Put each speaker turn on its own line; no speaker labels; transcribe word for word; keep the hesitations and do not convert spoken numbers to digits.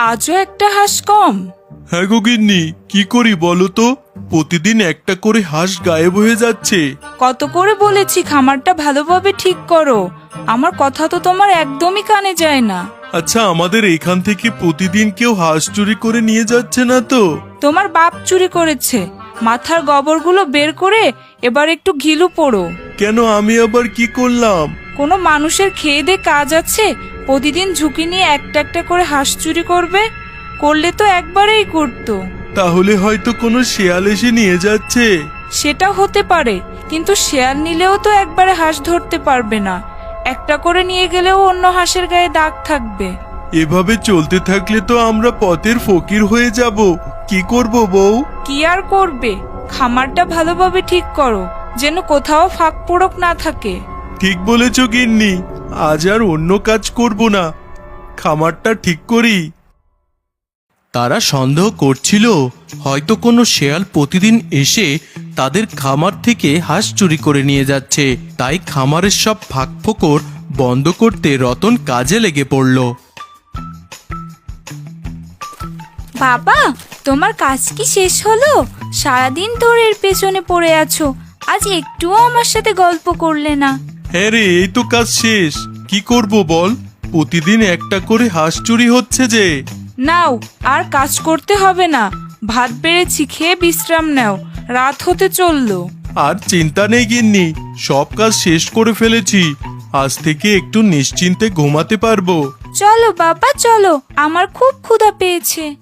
আজও একটা হাঁস কম।
হ্যাঁ গো গিন্নি, কি করি বলো তো, প্রতিদিন একটা করে হাঁস গায়েব হয়ে যাচ্ছে।
কত করে বলেছি খামারটা ভালোভাবে ঠিক করো, আমার কথা তো তোমার একদমই কানে যায় না।
আচ্ছা, আমাদের এখান থেকে প্রতিদিন কেউ হাঁস চুরি করে নিয়ে যাচ্ছে না তো?
তোমার বাপ চুরি করেছে, মাথার গোবরগুলো বের করে এবার একটু ঘিলু পোড়ো।
কেন, আমি আবার কি করলাম?
কোনো মানুষের খেয়ে দে কাজ আছে প্রতিদিন ঝুঁকি নিয়ে একটা একটা করে হাঁস চুরি করবে? করলে তো একবারেই করতো।
তাহলে হয়তো কোনো শেয়াল এসে নিয়ে যাচ্ছে।
সেটা হতে পারে, কিন্তু শেয়াল নিলেও তো একবারে হাঁস ধরতে পারবে না, একটা করে নিয়ে গেলেও অন্য হাঁসের গায়ে দাগ থাকবে।
এভাবে চলতে থাকলে তো আমরা পথের ফকির হয়ে যাব। কি করব বউ?
কি আর করবে, খামারটা ভালোভাবে ঠিক করো, যেন কোথাও ফাঁক ফোড়ক না থাকে।
ঠিক বলেছ গিন্নি, আজ আর অন্য কাজ করব না, খামারটা ঠিক করি। তারা সন্দেহ করছিল হয়তো কোনো শেয়াল প্রতিদিন এসে তাদের খামার থেকে হাঁস চুরি করে নিয়ে যাচ্ছে। তাই খামারের সব ফাঁক ফোকর বন্ধ করতে রতন কাজে লেগে পড়ল।
বাবা, তোমার কাজ কি শেষ হলো? সারাদিন তোর এর পেছনে পড়ে আছো, আজ একটুও আমার সাথে গল্প করলে না।
হ্যাঁ রে, এই তো কাজ শেষ। কি করব বল, প্রতিদিন একটা করে হাঁস চুরি হচ্ছে যে।
নাও, আর কাজ করতে হবে না, ভাত বেড়েছি, খেয়ে বিশ্রাম নাও, রাত হতে চললো।
আর চিন্তা নেই গিন্নি, সব কাজ শেষ করে ফেলেছি, আজ থেকে একটু নিশ্চিন্তে ঘুমাতে পারবো।
চলো বাবা চলো, আমার খুব ক্ষুধা পেয়েছে।